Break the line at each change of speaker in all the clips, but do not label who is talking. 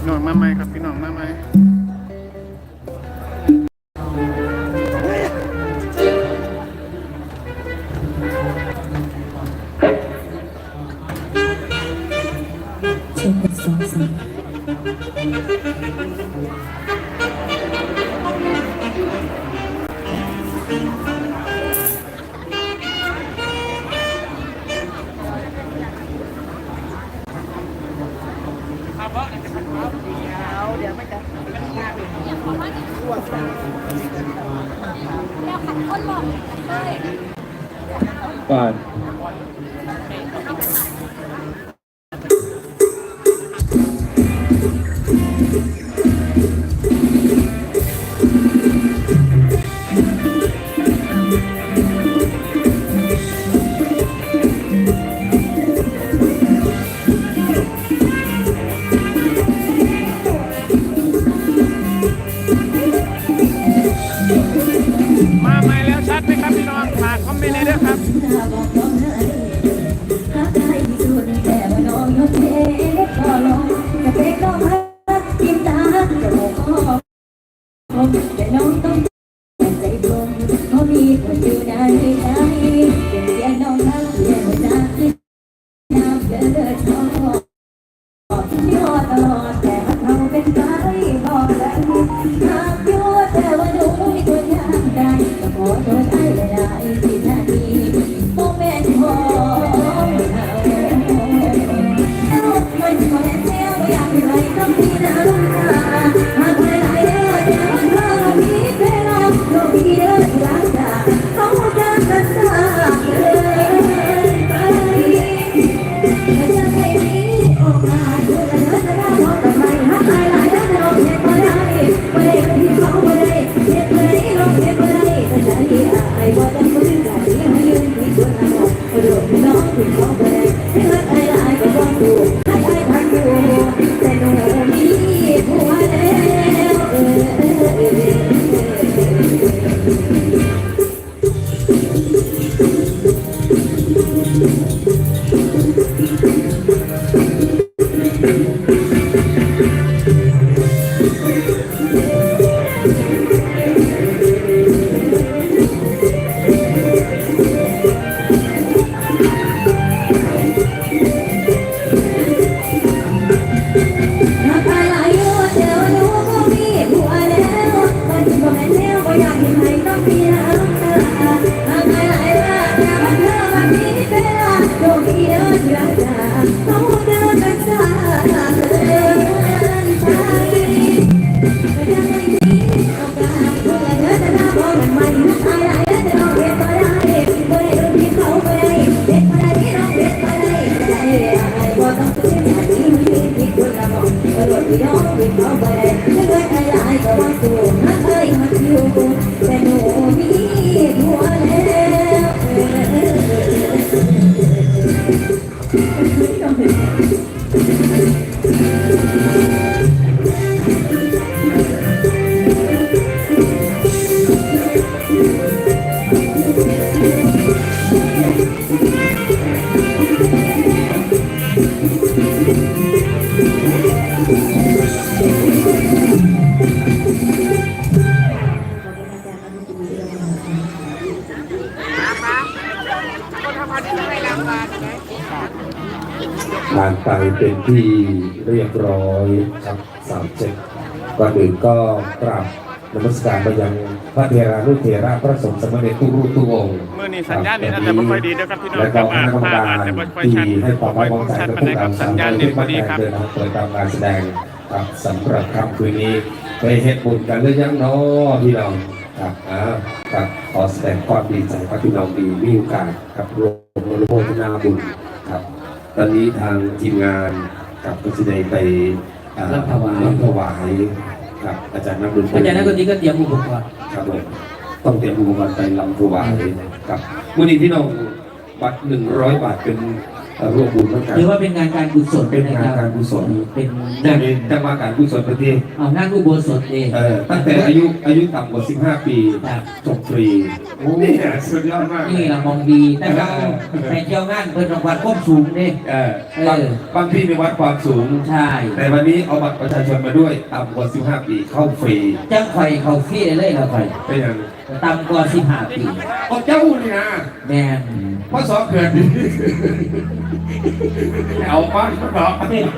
น้องมาไหมครับพี่น้องมาไหม
เช็คเป็นสองสาม
ก่อน
มาไหมแล้วชัดไหมครับพี่น้องฝากคอมเมนต์เลยด้วยครับ
แต่น้องต้องใจดวงเพราะมีคนอยู่ในใจเป็นเพียงน้องรักเพียงหัวใจน้ำเดือดร้อนที่รอตลอดแต่เขาเป็นไปบอกได้หากอยู่แต่ว่าหนูไม่ควรยังได้ก็ขอโทษไอ้ไม่ได้ที่นาทีโมเมนต์ของเรามันขอแค่ว่าอยากให้ไรต้องมีน้ำตาหากไม่ได้จะรักมีเวลาโลกที่เดินรักษาเขาจะกันตาเลยไปจะไม่มีโอกาสจะเดินจะได้มองแต่ไม่หักใจหลายแล้วจะลองเห็นก็ได้ไม่ได้ที่เขาไม่ได้เห็นเลยลองเห็นก็ได้แต่ใจไอ้ว่าต้องฟื้นใจให้ยืนที่ส่วนนั้นก็โดนน้องถึงเขาไม่ได้ให้รักไอ้หลายก็ต้องดูให้ไอ้พันอยู่แต่หนูมีผัวแต่หนูมีผัว
ผ่านไปเป็นที่เรียบร้อยครับ37ก่อนอื่นก็กราบนมัสการไปยังพระเถรานุเถระพระสงฆ์สมเด็จทุกรูปทุกองค์
เมื่อนี้สัญญาณนี่อาจจะไม่ค่อยดีนะครับพี่น้อง
และ
ค
ก็
รับ
คณะกรรมการ
อาจจะไม่ค่อย
ที่
ชัด
ให้ความ
ไม่
ไว้
ค่อ
วาย งใจ
ชัด
กับ
มา
พว
ได้
ก
ครั
เรา
บสัญญาณ
ที่
นี่พอดีครับ
เดินทางเปิดตามงานแสดงครับสำหรับค่ำคืนนี้ไปเฮ็ดบุญกันหรือยังเนาะพี่น้องครับครับขอแสดงความดีใจกับพี่น้องดีมีโอกาสครับรวมอนุโมทนาบุญครับตอนนี้ทางทีมงานกับก็จะได้ไปรับถวายครับอาจารย์นักดนตรี
อาจารย์นักดนตรีก็เตรียมอุปกรณ์
ครับผมต้องเตรียมอุปกรณ์ไปลำถวายครับวันนี้พี่น้องบัตร100 บาทเป็นร่วมบุญเหมือนกัน
หรือว่าเป็นงานการกุศล
เป็นงานการกุศล
เป็น
นั่นเองจังหวะการกุศลประเทศ
เอางานอุโบสถเอง
ตั้งแต่อายุต่ำกว่า15 ปี
ครับ
จบฟรีโอ้นี่สุดยอดมาก
นี่เรามองดีแต่เราไปเที่ยวงานเป็นรางวัลควบสูงเนี่ย
บางที่ในวัดความสูง
ใช่
แต่วันนี้เอาบัตรประชาชนมาด้วยต่ำกว่า15 ปีเข้าฟรี
จ้างไฟเขาฟรีได้เลยเราไฟ
เป็นอย่าง
ต่ำกว่า15 ปี
เอาเจ้านี่นะ
แม่น
เพราะสองเกิดดีเอาบ้านก็บอก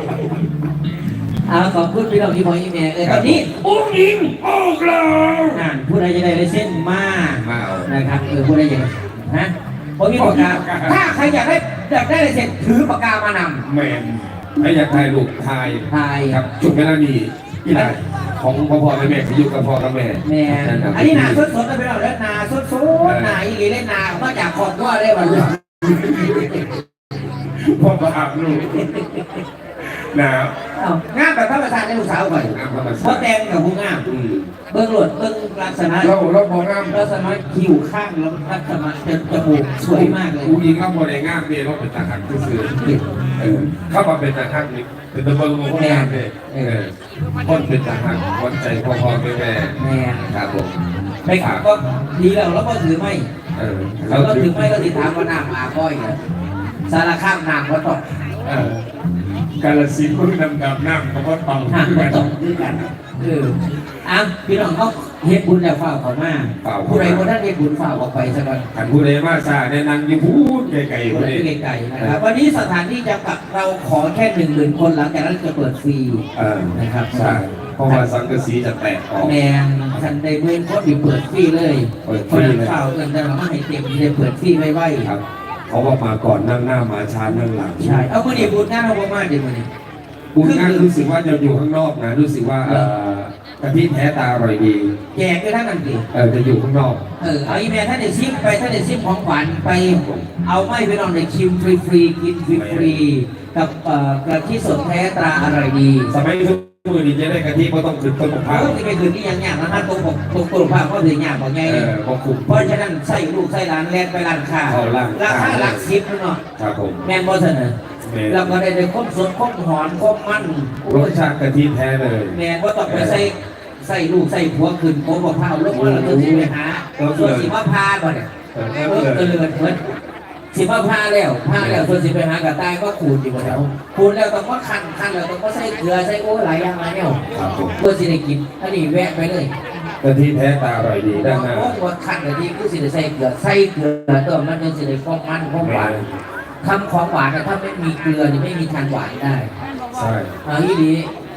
ขอบคุณพี่น้องที่พออีเมลตอนนี้
อุ้งยิงออกแล้ว
อ่านผู้ใดจะได้ลายเส้นมา
มาเอา
นะครับผู้ใดอยากฮะผมมีปากกาถ้าใครอยากได้ลายเส้นถือปากกามานำ
แมนไม่อยากถ่ายรูปถ่าย
ถ่าย
ครับจุดเวลานี้กีฬาของพ่อแม่ที่อยู่กับพ่อกับแม่
แม่อันนี้นาสดๆนะพี่น้องเล่นนาสดๆนาอีหลีเล่นนามาจากขอบว่าได้วันนี้
พ่อมาอาบลูกหนาว
งามแบบธรรมชาติในลูกสาวก่อนเพราะแตงกับผู้งามเบื้องหลดเบื้องลักษณะ
เราพองาม
ลักษณะคิ้วข้างแล้วลักษณะจมูกสวยมากเลย
อุ้งยิงเราพอได้งามเนี่ยเราเป็นทหารซื่อเข้ามาเป็นทหารนี่เป็นตำรวจของงามเลยคนเป็นทหารคนใจพ่อแม่
แม่
ครับผม
ไปขับก็ดีแล้วก็ถือไม่
เรา
ก็ถือไม่ก็ติดตามว่าน้ำอาก้อยเนี่ยสารข้ามน้ำก็ต้อง
กาลสินธุ์ดำน้ำเขาก็ต้อง
น้ำก็ต้องด้วยกันพี่น้องเขาเฮ็ดบุญแล้วฝ่าเขามาผู้ใดคนนั้นเฮ็ดบุญฝ่าออกไปสักวัน
ขันผู้ใดมาซาในนางยิ่งพูดไกลๆ
ค
คน นนี้
ไกลๆนะครับวันนี้สถานที่จำกัดเราขอแค่10,000 คนหลังจากนั้นจะเปิดฟรีนะครับ
ใช่เพราะว่าสังกะสีจะแตกออก
แมนทันได้เมื่อคนที่เปิดฟรีเลยคนข่าวเงินแต่เราไม่ให้เต็มเลยเปิดฟรีไว้ครับ
เขาว่ามาก่อนนั่งหน้ามาช้านั่งหลัง
ใช่เอาเมื่อนี้บุญงานเรามากดีมื่อนี้
บุญงานรู้สึกว่าจะอยู่ข้างนอกนะรู้สึกว่ากะทิแท้ตาอร่อยดี
แจกด้วยท่านนั่นสิ
จะอยู่ข้างนอก
เอาอีเมลท่านเดี๋ยวซิมไปท่านเดี๋ยวซิมของขวัญไปเอาไม่ไปนอนในชิมฟรีๆกินฟรีๆกับกะทิสดแท้ตราอร่อยดี
สมัยทุกมือนี้จะได้กะทิก็ต้องขึ้นต้นมะพร้าว
ที่ไปคืนนี้ยังยากนะฮะตรงภาพก็ถึงยากกว่าไง
ก็คุ้ม
เพราะฉะนั้นใส่ลูกใส่ร้านแลกไปร้านค้าราคาหลัก10เนาะ
ครับผม
แมนบอสเนอเราก็ได้ครบสดครบหอนครบมัน
รสชาติกะทิแท้เลย
แมนว่าต้องไปใส่ลูกใส่ผัวขึ้นโค้งกับข้าวลูกว่าเราจะไปหาส่วนสิมาพาก่อนเนี่ยเกิดเหมือนสิมาพาแล้วส่วนสิไปหากระต่ายก็ขูดอยู่หมดแล้วขูดแล้วต้องก็คันแล้วต้องก็ใส่เกลือใส่โอ้หลายอย่างมาเนี่ยเพื่อสิได้กินอันนี้แวะไปเลย
กะทิแท้ตาอร่อยดีด้านหน้า
ว่าคันกะทิคือสิได้ใส่เกลือตัวมันจะสิได้ฟองมันฟองหวานทำของหวานถ้าไม่มีเกลือนี่ไม่มีทานหวานได้
ใช่
อีดี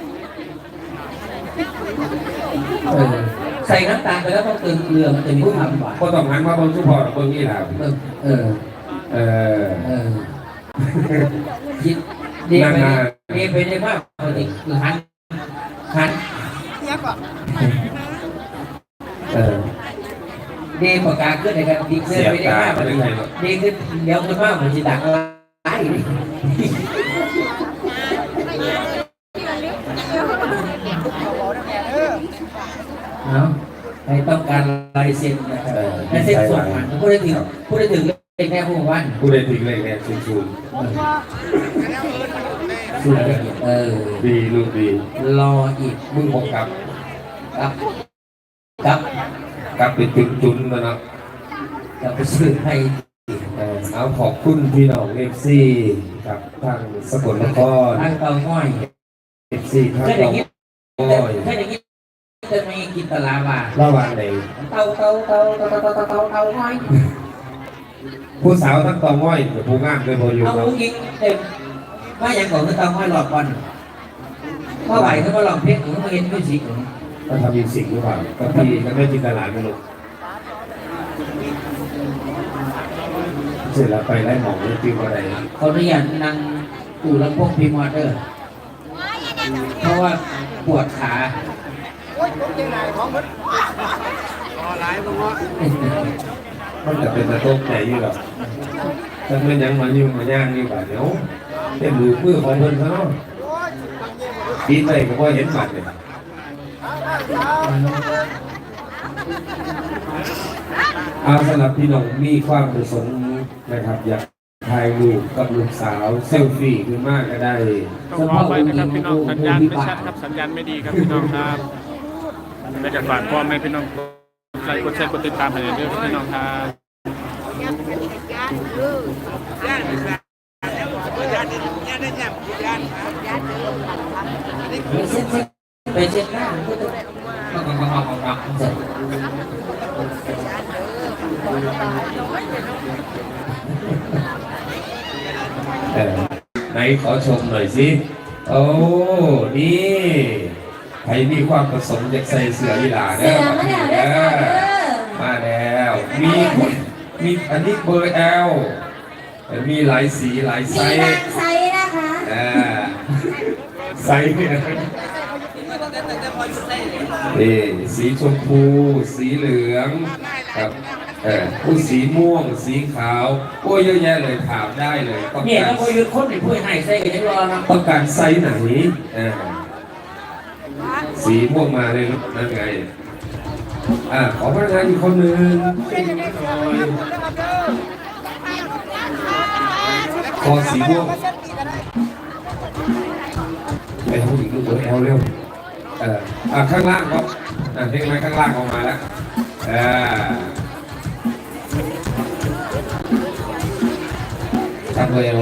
ใส่น้ำตาลไปแล้วต้องเติมเกลือมันจะมีความหวาน
ก็ต้องหันมาบนสุพรรณบนนี่แหละ
คิดดีไปได้มากปกติคือหันดีปากกาขึ้นในการดีขึ้นไปได้มากปกติดีขึ้นเดี๋ยวขึ้นมากมันจะดังอะไรเนาะใครต้องการลายเซ็นนะครับลายเซ็นส่วนมันผู้ได้ถึงเป็นแค่ผู้วัน
ผู้ใดถึงเลยเนี่ยชู
สุด
ดีลูกดี
รออีก
มึงบอกกลับ
ครับ
กลับไปถึงจุนแล้วนะ
จะไปซื้อให้
เอาขอบคุณพี่น้องเอฟซีครับทางสกลนคร
ทางเตาง่อย
เอฟซีทาง
เคยได้
เตา
ยิน
ง่อย
เคยได้ยินจะมีกินตลาบา
ระหว่างไหน
เตาง่อย
ผู้สาวทั้งเตาง่อยกับผู้งามเลยพออยู่
เอา
ครับ
ยิงเต็มว่าอย่างก่อนคือเตาง่อยหลอดบอลเมื่อไหร่เขามาลองเพชรหรือมาเห็นมิวสิก
ก็ทำยินสิ่งหรือเปล่าก็พี่ก็ไม่จินตลาดไม่รู้เสร็จแล้วไปไล่หมองไม่จิ้มอะไร
เขาเรียนนั่งตู่ลำโพงพีมอเตอร์เพราะว่าปวดขา
มันจะเป็นตะโต๊ะไหนอยู่หรอถ้าเมื่อยังมาอยู่มาย่างอยู่แบบเดี๋ยวเห็นดูมือของเพิ่นซะเนาะปีนไปก็ว่าเห็นบัตรเลยสำหรับพี่น้องมีความประสงค์นะครับอยากถ่ายรูปกับลูกสาวเซลฟี่ขึ้นมากก็ได้
ต้องขอไปนะครับพี่น้องสัญญาณไม่ชัดครับสัญญาณไม่ดีครับพี่น้องครับและจะฝากพ่อแม่พี่น้องกดไลค์กดแชร์กดติดตามให้ด้วยพี่น้องครับ
ไปเช็ดหน้าก็ต้องเสร็จ
ไหนขอชมหน่อยสิโอ้นี่ใครมีความประสงค์อยากใส่เสื้อยีหลา
เสือมาแล้วเด้อค่ะเด้อ
มาแล้วมีอันนี้เบอร์ L มีหลายสีหลายไซ
มี
ส์
บางไซส์นะคะ
ไซส์เนี่ยนี่สีชมพูสีเหลืองครับผู้สีม่วงสีขาวโอ้ยเยอะแยะเลยถามได้เลยต้อง
เนี่ย
การ
แล้วพอยุดคนในผู้ให้ใส่กันยังรอนะ
ต้องการไซส์ไหนสีม่วงมาเลยนั่นไงขอพนักงานอีกคนหนึ่งคอสีม่วงไปเอาอีกลูกเร็วเร็วข้างล่างก็เล็กน้อยข้างล่างออกมาแล้วทำเร็ว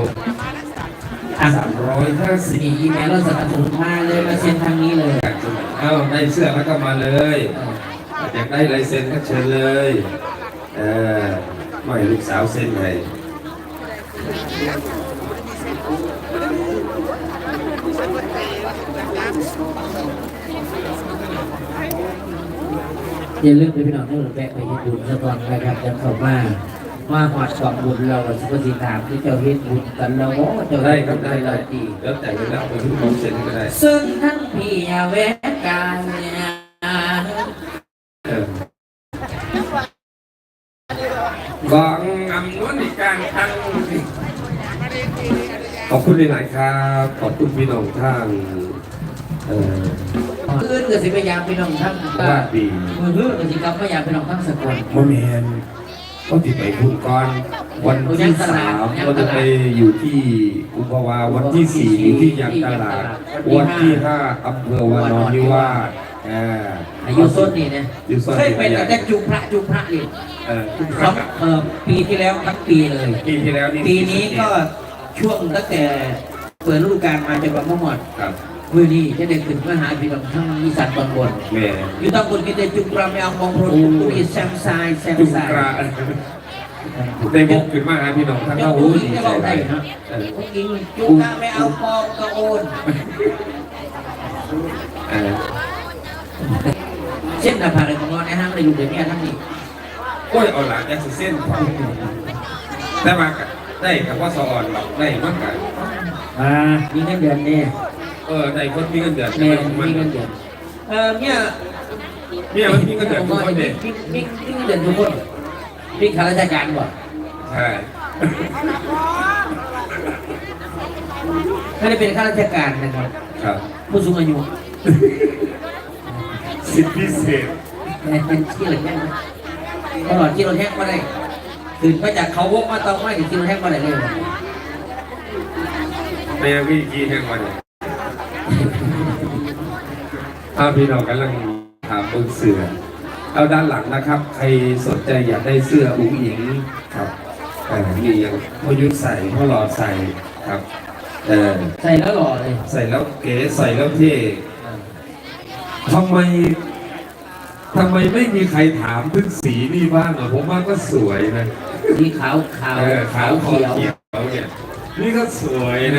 350
มีอีเมลเราสนับสนุนมาเลยมาเซ็นทางนี้เลย
ได้เสื้อแล้วก็มาเลยอยากได้ลายเซ็นก็เชิญเลยไม่ลูกสาวเซ็นให้
อย่าลืมไปพี่น้องที่เราแวะไปญี่ปุ่นซะก่อนนะครับจะเข้ามาหอดสองบุญเราสุภาษิตถามที่เจ้าเฮ็ดบุญกันแล้วเจ้า
ได้ครับได้
ดี
แล้วแต่เวลาไปทุกคนเซ็นก็ได้
ซึ่งทั้งพี่อย่าแวะกัน
กองอำนวยการทั้งขอบคุณหลายๆครับขอบคุณพี่น้องทาง
อื่นก็สิพยายามพี่น้องทั้ง
ว่าดี
มือเพื่อนก็สิกลับพยายามพี่น้องทั้งสกล
มะเมนก็ติดไปพุ่นก่อนวันที่3เราจะไปอยู่ที่อุปวาวันที่4อยู่ที่ยางตลาดวันที่5อำเภอวานอนนิวาส
อายุส้นนี่นะ
อยู่ส้น
เคยเป็นแต่จุพระนี่ปีที่แล้วทั้งปีเลย
ปีที่แล้ว
ปีนี้ก็ช่วงตั้งแต่เปิดฤดูกาลมาจนวันหมดมือนี้จะได้ขึ้นมาหาพี่น้องทั้งอีสานตอนบนอยู่ตอนบนกินแต่จุกราไม่เอามองโปรตุยแซมไซ
จุกราได้บุกขึ้นมาหาพี่น้องทั้งเราหูดีใจได้
นะกินจุกราไม่เอาปองกระโอนเส้นหน้าผากในของเราในห้างในลูกเดี๋ยวนี้ทั้งนี้
โอ้ยเอาหลังจากเส้นได้มาได้กับว่าสอนหรอกได้มากกัน
มีเงินเดือนเนี่ย
ได้คนมีเงินเดือน
มีเงินเดือนเนี่ย
มันมีเงินเดือนทุกคนเลย
มีเงินเดือนทุกคนมีข้าราชการบ่
ใช่
ไม่ได้เป็นข้าราชการนะครับผู้สูงอายุ
สิทธิพิเศษ
เป็นที่เหลือแค่ตลอดที่เราแห้งมาได้ตื่นมาจากเขาวกมาเตาไม้ถึงที่เราแห้งมาได้เลย
ในวิธีแห่งวันพี่น้องกำลังถามบนเสือเอาด้านหลังนะครับใครสนใจอยากได้เสื้ออุ้งอิงครับมีอย่างพ่อยุทธใส่พ่อหล่อใส่ครับ
ใส่แล้วหล่อเลย
ใส่แล้วเก๋ใส่แล้วเท่ทำไมไม่มีใครถามถึงสีนี่บ้างผมว่าก็สวยนะ
สีขาว
ขาวเขียวเนี่ยนี่ก็สวยนะ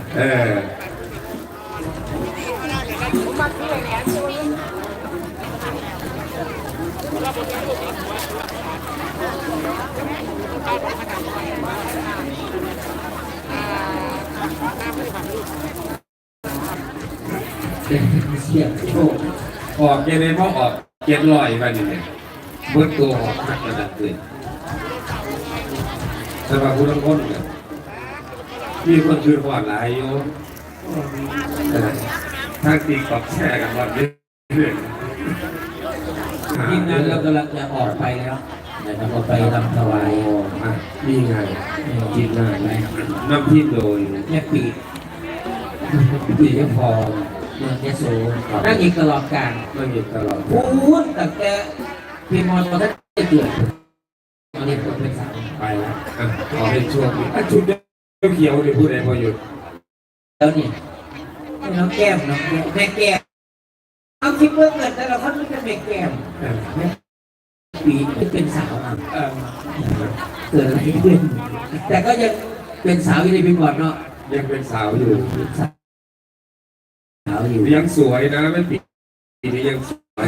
เสียงโชว์
ออกเย็นเลยเพราะออกเย็นลอยไปเนี่ยเบิดตัวออกหักระดับเลยสำหรับผู้ทั้งคนเนี่ยมีคนชื่นหวานหลายอยู่ทางตีกอบแชร์กันวันนี้
ทีมงานเรากำลังจะออกไปแล้วนะครับก็ไปรำถวาย
อ่ะนี่ไงทีมงานนำทีมโดย
แม่ปีปีเจ้าพอเมืองยโสนั่งอีกตลอดการ
ไม่มีตลอด
พูดตั้งแต่พี่มอตอนนั้นได้เกิดตอนนี้ผมเป็นสาว
ไปแล้วอ่ะขอเป็นช่วงนี้อ่ะชุดเขียวๆนี่พูดอะไรพออยู่
แล้วนี่น้องแก้มน้องแม่แก้มเอาคิดเมื่อเกิดแต่เราคนนี้เป็นแม่แก้ม
อ่ะ
ปีเป็นสาวเกิดอะไรขึ้นแต่ก็ยังเป็นสาวอยู่ในปีก่อนเนาะ
ยังเป็นสาวอยู่
สาวอยู่
ยังสวยนะไม่ปีนี้ยังสวย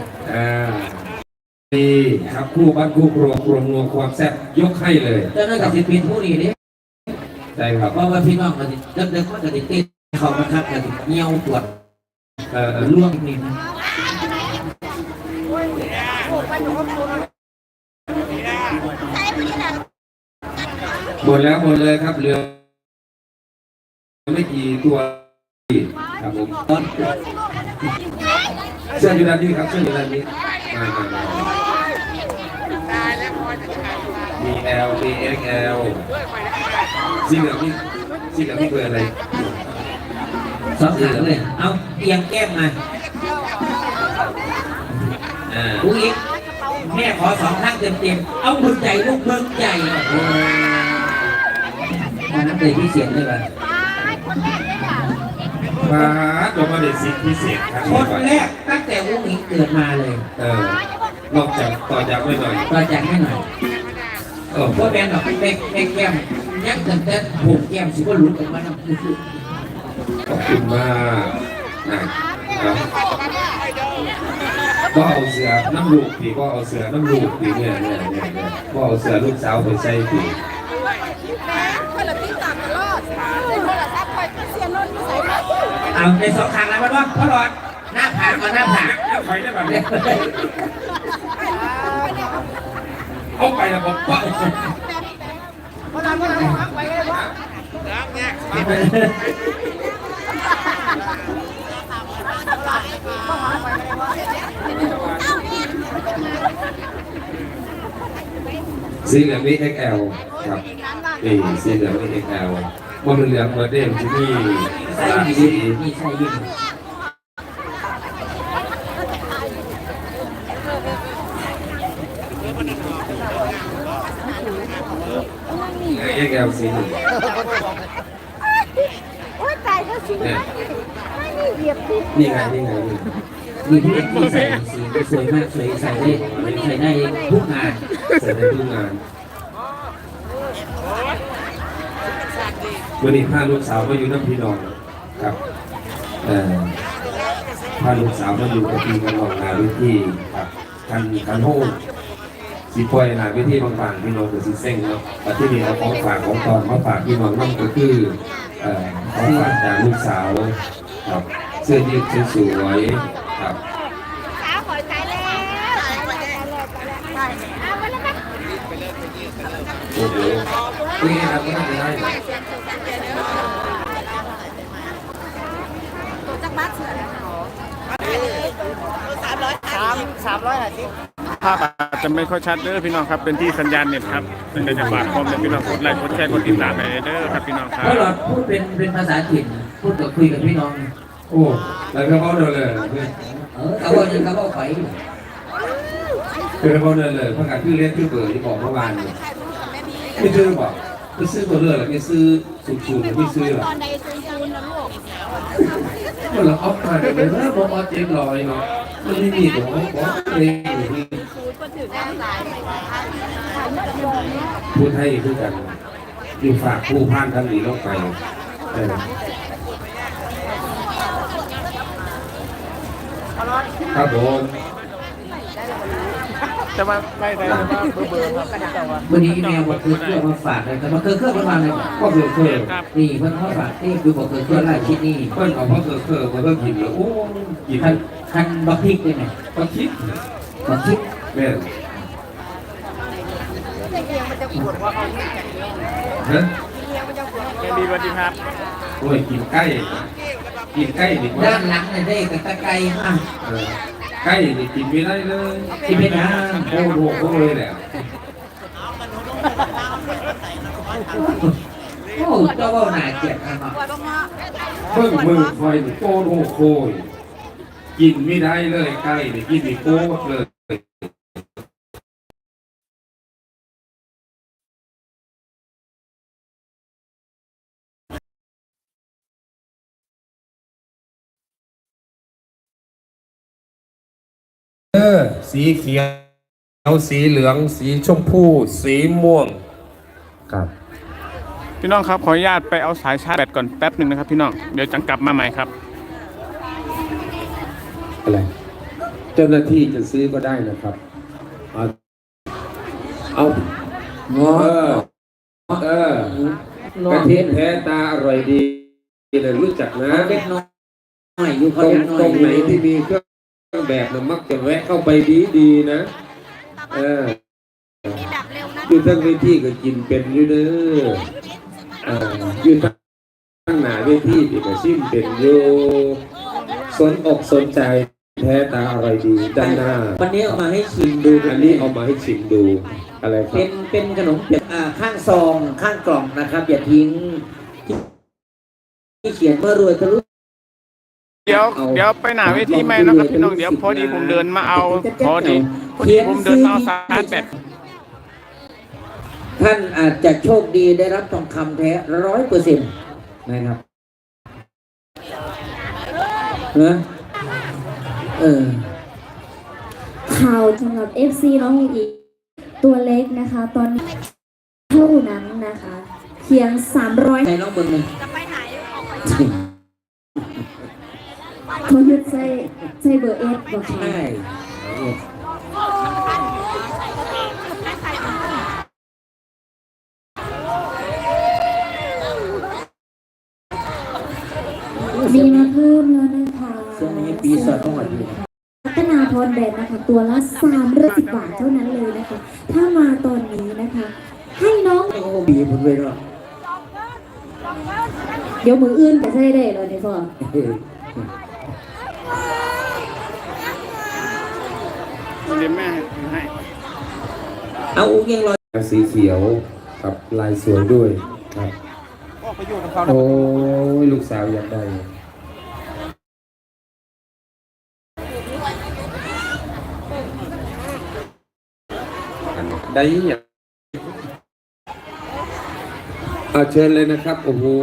นี่ครับคู่บ้านคู่ครัวครัวนัวความแซ่บยกให้เลย
เจ้าหน้าที่เป็นผู้นี้นี่
ใช่ครับ
เพราะว่าพี่น้องกันเดิมๆก็จะติดเขามาคับกันเงี้ยวปวด ล่วงนิดนึง
หมดแล้วหมดเลยครับเหลือไม่กี่ตัวครับผม
ตอน
เสื้ออยู่ด้านนี้ครับเสื้ออยู่ด้านนี้มามี L มี XL สีเหลืองนี่เบอร์อะไร
สองขาเลยเอาเอียงแก้มมาลูกอีกแม่ขอสองข้างเต็มๆเอาบึงใจลูกบึงใจน้ำเลยพิเศษเลยป่ะ
มาลงมาเด็ดสิพิเศษครับ
คนแรกตั้งแต่ลูกอีกเกิดมาเลย
นอกจากต่อจากไม่หน่อย
ต่อจากให้หน่อยเพราะแม่ดอกเด็กแก้มยักษ์แต่ผมแก้มสิว่าหลุดออกมาน้ำคือ
ขอบคุณมากนะครับก็เอาเสือน้ำลูกปีก็เอาเสือน้ำลูกปีเนี่ยก็เอาเสือลูกสาวไปใส่ปี
คนละที่ตามตลอดในโทรศัพท์คอยเสียนนท์ใส่มา
เอาในสองข้างแล้วมันว่าพอหลอดหน้าผากมาหน้าผาก
แล้วไฟได้แบบนี้เอาไปแล้วผมก็
พอเราไปเลยว่า
สีเหลืองนี่ XL ครับนี่สีเหลืองนี่ XL ว่ามันเหลืองมาเด้มที่นี่
ใส่
สาม
ยิ
สี
งมีใส่ยิง
XL สีหนึ่ง
โอ้ยตายก็สิไม่นี่เหยียบที่
นี่ไง
มีที่ที่ใส่สีสวยมากสวยใส่ได้ทุกงาน
ใส่ในทุกงานวันนี้พาลูกสาวมาอยู่น้ำพี่น้องครับพาลูกสาวมาอยู่กับพี่กันหลอกนาวิธีครับกันโฮมสีปล่อยนาวิธีบางๆพี่น้องกับสีเส้งเนาะแต่ที่นี่เอาของฝากของตอนมาฝากพี่น้องนั่นก็คือของฝากจากลูกสาวครับเสื้อยืดสวยๆครับ
ขาหอยตายแล้วตายแล้วเอาไปแล้วกัน
โอ้โหนี่ครับก็น่าจะได้
ตัวจักรบ้าเสือแล้ว
ภาพอาจจะไม่ค่อยชัดเด้อพี่น้องครับเป็นที่สัญญาณเน็ตครับเป็นจะฝากความเป็นพี่น้องกดไลค์กดแชร์กดติดตามไปเด้อครับพี่น้องครั
เพ
บ
ราะเราพูดเป็นภาษาถิ่นพูดกับคุยกับพี่น้อง
โอ้แล้วก็เขาเดินเลย
เขาบอกยังเขาบอกไป
คือเขาเดินเลยเพราะการที่เล่นที่เปิดที่บอกเมื่อวานไม่ซื้อบอกไม่ซื้อตัวเลือกไม่ซื้อสูงๆไม่ซื้อหรอก
ตอนในซูนนะลูก
มันเราเอามาเดี๋ยวนะบอกว่าเจ็บลอยเนาะมันไม่มีตัวบอกเองอยู่ที่
ซูนก็ถือได้หลายไปถ่ายกับโยม
พูดให้คือกันอยู่ฝากผู้พ่านท่านนี้ลงไปครับผม
จะมาไม่ได้จะมาเบอร์ครับแต่ว่า
วันนี้แมวบอกคือเครื่องมาฝากเลยแต่มาคือเครื่องมาเลย
ก็เคย
ครับ
นี่เพิ่นเขาฝากที่ดูบอกคือเครื่องไล่ชิ้นนี้
เพิ่นเอาเพราะเคยมาเพิ่มกินแล้วโอ้กิน
คันบักพริกได้ไหม
ก็คิด
บักพริก
แม่ฮะ
แกดีสวัสดีครับ
โอ้ยกินใกล้ดีกว่า
ด้านหลังเนี่ยได้กับตะไคร้มาก
ใกล้นี่กินไม่ได้เลย
ที่เป็นนะ
โอ้โหโอ้เลยแหละ
โอ้เจ้าว่าหนาเกลียดนะครั
เพิ่งมือคอยนี่โกนโอ้โหกินไม่ได้เลยใกล้นี่กินไม่โกดเลย สีเขียวสีเหลืองสีชมพูสีม่วงครับ
พี่น้องครับขออนุญาตไปเอาสายชาร์จแบตก่อนแป๊บหนึ่งนะครับพี่น้องเดี๋ยวจังกลับมาใหม่ครับ
อะไรเจ้าหน้าที่จะซื้อก็ได้นะครับเอากระเทียมแท้ตาอร่อยดีเลยรู้จักนะ
เล็กน้อยอยู่
ต
เขา
รง
เล็กน้อย
ตรงไหนที่มีเครื่องแบบนะมักจะแวะเข้าไปดีนะอยู่ทั้งเวทีก็กินเป็นอยู่เด้ออยู่ทั้งหน้าเวทีที่ก็ชิมเป็นอยู่สนอกสนใจแท้ตาอร่อยดีด้านหน้า
วันนี้เอามาให้ชิมดู
อันนี้เอามาให้ชิมดูอะไรครั
เป็นขนมเปียกข้างซองข้างกล่องนะครับอย่าทิ้งที่เขียนเมื่อรวยทะลุ
เดี๋ยวไปหนาเวทีใหม่นะครับพี่น้องเดี๋ยวพอดีผมเดินมาเอาพอดีผมเดินมาเอาสายแบต
ท่านอาจจะโชคดีได้รับทองคำแท้100%นะครับนะ
ข่าวสำหรับ FC น้องอีกตัวเล็กนะคะ ตอนนี้เท่านั้นนะคะเพียง300
ใช้น้องเบิ้งหนึ่ง
เขายึดใส่เบอร์เอสบอกค่ะ
ใช่
มีมาเพิ่มแล้วนะคะ
ช่วงนี้ปีสอดต้องหวัดดี
พัฒนาพรแบรนด์นะคะตัวละ310 บาทเท่านั้นเลยนะคะ ถ้ามาตอนนี้นะคะ ให้น้อง
โอ้บีผมเลยเนาะ
เดี๋ยวมืออื่นจะใช้ได้เลยนี่พ่อ
เดี๋ยวแม่ให้
เอาอุ้งยังลอย
สีเขียวกับลายสวยด้วยครับ
ออกไปอยู่กับเขา
โอ้ยลูกสาวอยากได้ได้ยังเอาเชิญเลยนะครับโอ้โห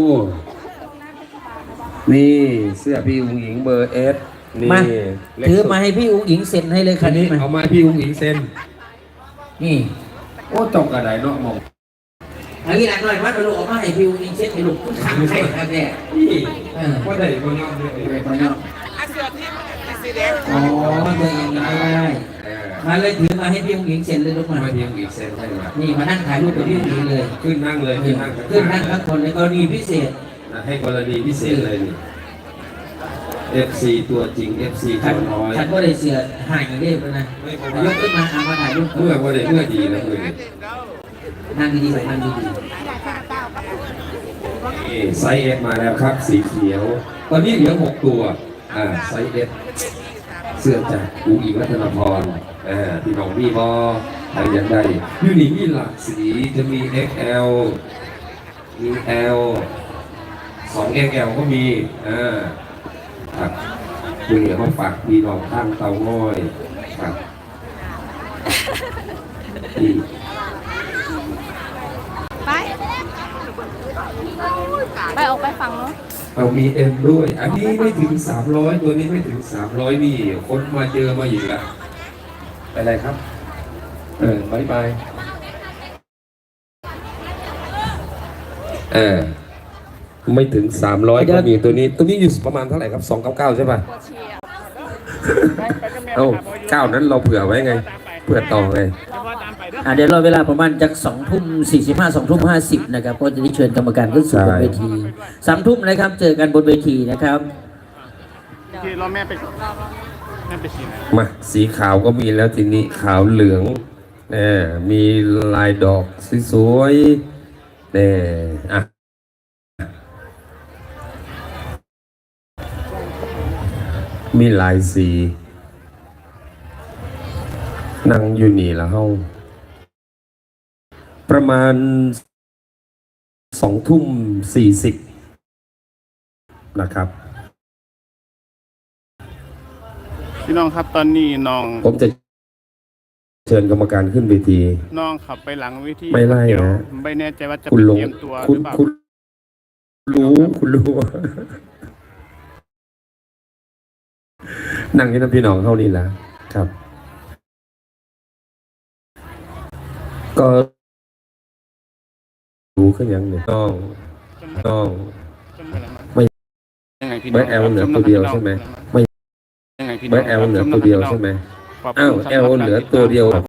นี่เสื้อพี่อุ้งอิงเบอร์เอสนี่
มา
เล็ก
ถือ
สุด
มาให้พี่อุ้งอิงเซ็นให้เลยคั
อั
น
น
นี้
นี้
มา
เอามาให้พี่อุ้งอิงเซ็น
นี่
โอ้จบกระไดเนาะมอง
อันนี้หลังหน่อยว่าเราเอามาให้พี่อุ้งอิงเซ็นให้ลูกข้างใครครับเนี่ย
นี่ว่าได้บนยอดเลย
ไปเนาะอ๋อเบอร์อย่างนี้ก็ได้มาเลยถือมาให้พี่อุ้งอิงเซ็นเลยลูกมา
มาพี่อุ้งอิงเซ็นให้มา
นี่มานั่งถ่ายรูปกับพี่อุ้งอิงเลย
ขึ้นนั่งเลยขึ้นนั่ง
ขึ้นนั่งทั้งคนในกรณีพิเศษ
ให้กรณีพิเศษเลยนี่ FC ตัวจริง FC
ขั
ตั
น
วน้อย
ขันก็ได้เสือห่างอย่างเรียบเลยนะยกขึ้นมาเอามาถ่ายรูป
เมื่อว่าได้เมื่อดีนะเมื่อ
นั่งดีๆไปนั่งดี
นี่ไซส์ S มาแล้วครับสีเขียว ตอนนี้เหลือ6ตัวไซส์ S เสื้อจากอูอิงรัตนพรพี่น้องมีบอใครอยากได้ยูนิมีหลากสีจะมี XL มี L 2XL ก็มีครับดูเหลือมาฝากพี่น้องข้างเตาง่อยครับนี่
ไปออกไปฝั่งเนาะ
เอามี M ด้วย อันนี้ไม่ถึง300ตัวนี้ไม่ถึง300นี่คนมาเจอมาอีกแล้วไปอะไรครับบายบายไม่ถึง300ก็มีตัวนี้อยู่ประมาณเท่าไหร่ครับ299ใช่ป่ะเอ้า9นั้นเราเผื่อไว้ไงเผื่อต่อไง
เดี๋ยวรอเวลาประมาณจาก2:45 2:50นะครับก็จะได้เชิญกรรมการขึ้นสู่บนเวที3 ทุ่มนะครับเจอกันบนเวทีนะครับ
ที่รอแม่ไปก่อนแม่ไปสีไหน
มาสีขาวก็มีแล้วทีนี้ขาวเหลืองมีลายดอกสวยๆมีหลายสีนั่งอยู่นี่แล้วเฮาประมาณ20:40นะครับ
พี่น้องครับตอนนี้น้อง
ผมจะเชิญกรรมการขึ้นเวที
น้องขับไปหลังเวที
ไม่ไล่
เดี๋ยว
นะ
ไม่แน่ใจว่าจะ
คุณ
ไป
ลง
เตรียมตัวห
คุ
รื
ณ
อเปล่า
คุณรู้นั่งที่น้ำพี่น้องเข้านี่แหละครับ ก็รู้ขึ้นยังเนี่ยน้อง
จนเวลามัน
ไม่
ยังไงพี่น้
ไม่
อง
แอลเหลือตัวเดียวใช่ไหมไม่
ยังไงพี่น้
ไม่
อง
แอลเหลือตัวเดียวใช่ไหม
ขบคุณ
อ้าว
สำหรับ
แอลเหลือตัวเดียว